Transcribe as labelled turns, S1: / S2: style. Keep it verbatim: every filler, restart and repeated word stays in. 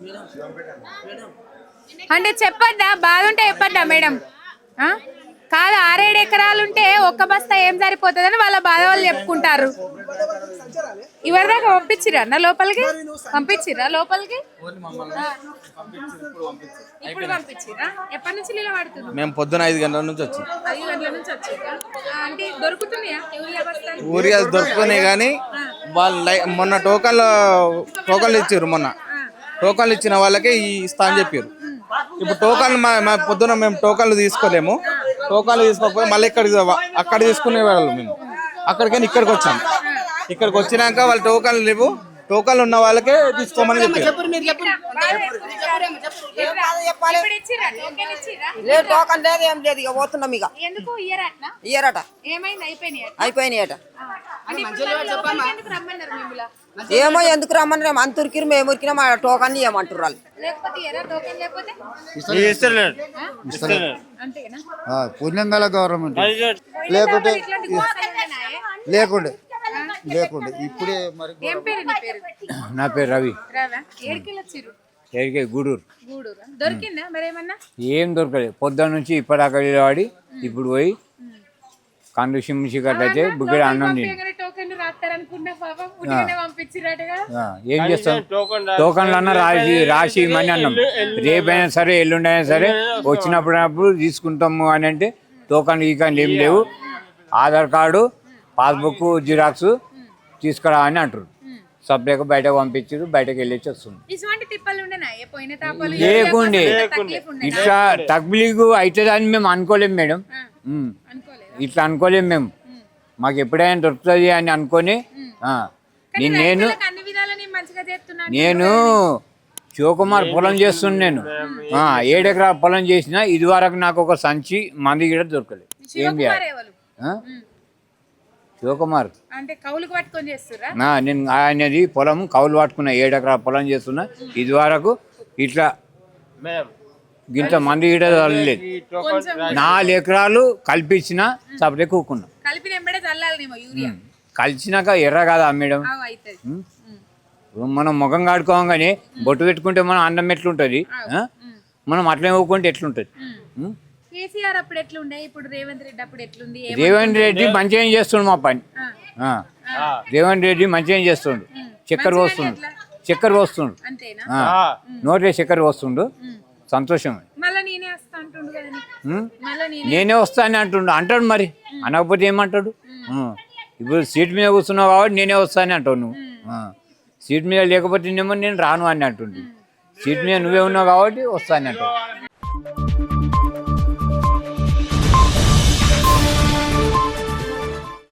S1: అంటే చెప్పొద్దా? బాధ ఉంటే చెప్పొద్దా మేడం? కాదు, ఆరేడు ఎకరాలు ఉంటే ఒక్క బస్తా ఏం సరిపోతుందని వాళ్ళ బాధ వాళ్ళు చెప్పుకుంటారు. ఎవరి దాకా పంపించిరా అన్న లోపలికి? పంపించిరా లోపలికి? ఇప్పుడు పంపించిరా? ఎప్పటి నుంచి నీళ్ళు పడుతుంది?
S2: మేము పొద్దున ఐదు గంటల నుంచి వచ్చి
S1: ఐదు గంటల నుంచి వచ్చిరా? అంటే దొరుకుతున్నాయా యూరియా బస్తాలు?
S2: ఊరియా దొరుకుతున్నాయి కానీ వాళ్ళు మొన్న టోకన్లు టోకన్లు ఇచ్చారు. మొన్న టోకన్లు ఇచ్చిన వాళ్ళకే ఈ ఇస్తా అని చెప్పారు. ఇప్పుడు టోకన్లు మా పొద్దున మేము టోకన్లు తీసుకోలేము. టోకన్లు తీసుకోకపోతే మళ్ళీ ఇక్కడికి అక్కడ తీసుకునే వాళ్ళు మేము అక్కడికైనా ఇక్కడికి వచ్చాం. ఇక్కడికి వచ్చినాక వాళ్ళు టోకన్లు లేవు, టోకన్లు ఉన్న వాళ్ళకే తీసుకోమని చెప్పారు.
S3: టోకన్ లేదు, ఏం లేదు, ఇక పోతున్నాం. ఇక ఇయ్యరట, అయిపోయినాయట. ఏమో ఎందుకు రమ్మని అంత ఉరికిరు, మేము ఉరికినా మా టోకన్ ఇవ్వమంటారు వాళ్ళు.
S4: పుణ్యంగల గవర్నమెంట్ లేకుంటే లేకుండే లేకుండే ఇప్పుడే మరి. నా పేరు రవి. ఏడికే గూడూరు. ఏం దొరకలేదు పొద్దున్న నుంచి ఇప్పటిదాకా వాడి ఇప్పుడు పోయి కండు సిమ్మిసి కట్టయితే బుగ్గడి అన్నం తిని ఏం చేస్తాం? టోకన్లు అన్న రాసి రాసి ఇమ్మని అన్నాం. రేపైనా సరే ఎల్లుండైనా సరే వచ్చినప్పుడు తీసుకుంటాము అని అంటే టోకన్లు ఈ కానీ ఏం లేవు. ఆధార్ కార్డు, పాస్బుక్ జిరాక్స్ తీసుకురా అని అంటారు. సబ్జెక్ట్ బయటకు పంపించారు, బయటకు వెళ్ళేసి వస్తుంది. లేకుండే ఇట్లా తగ్లీగు అవుతుంది అని మేము అనుకోలేము మేడం. ఇట్లా అనుకోలేము మేము. మాకు ఎప్పుడైనా దొరుకుతుంది అని అనుకొని నేను నేను శివకుమార్ పొలం చేస్తున్నా. నేను ఏడెకరా పొలం చేసిన ఇది వరకు నాకు ఒక సంచి మంది కూడా దొరకలేదు. ఏం చేయాలి? శివకుమార్ నేను ఆయనది పొలం కౌలు పట్టుకున్నా. ఏడెకరా పొలం చేస్తున్నా ఇది వరకు ఇట్లా గింత మంది కూడా చల్లలేదు. నాలుగు ఎకరాలు కల్పించిన సపరే కూకున్నా. కలిసినాక ఎర్ర కాదా మేడం? మనం ముఖం కాడుకోగానే బొట్టు పెట్టుకుంటే మనం అన్నం ఎట్లుంటది, మనం అట్లే ఊకుంటే ఎట్లుంటది? రేవంత్ రెడ్డి మంచిగా చేస్తుండు మా పని. రేవంత్ రెడ్డి మంచిగా చేస్తుండు. చక్కెర పోస్తుండు, చక్కెర పోస్తుండు, నోటే చక్కెర పోస్తుండు. సంతోషం. నేనే వస్తా అని అంటుండు. అంటాడు మరి, అనకపోతే ఏమంటాడు? ఇప్పుడు సీట్ మీద కూర్చున్నావు కాబట్టి నేనే వస్తా అని అంటావు నువ్వు. సీట్ మీద లేకపోతే నేమో నేను రాను అని అంటుండు. సీట్ మీద నువ్వే ఉన్నావు కాబట్టి వస్తా అని అంటావు.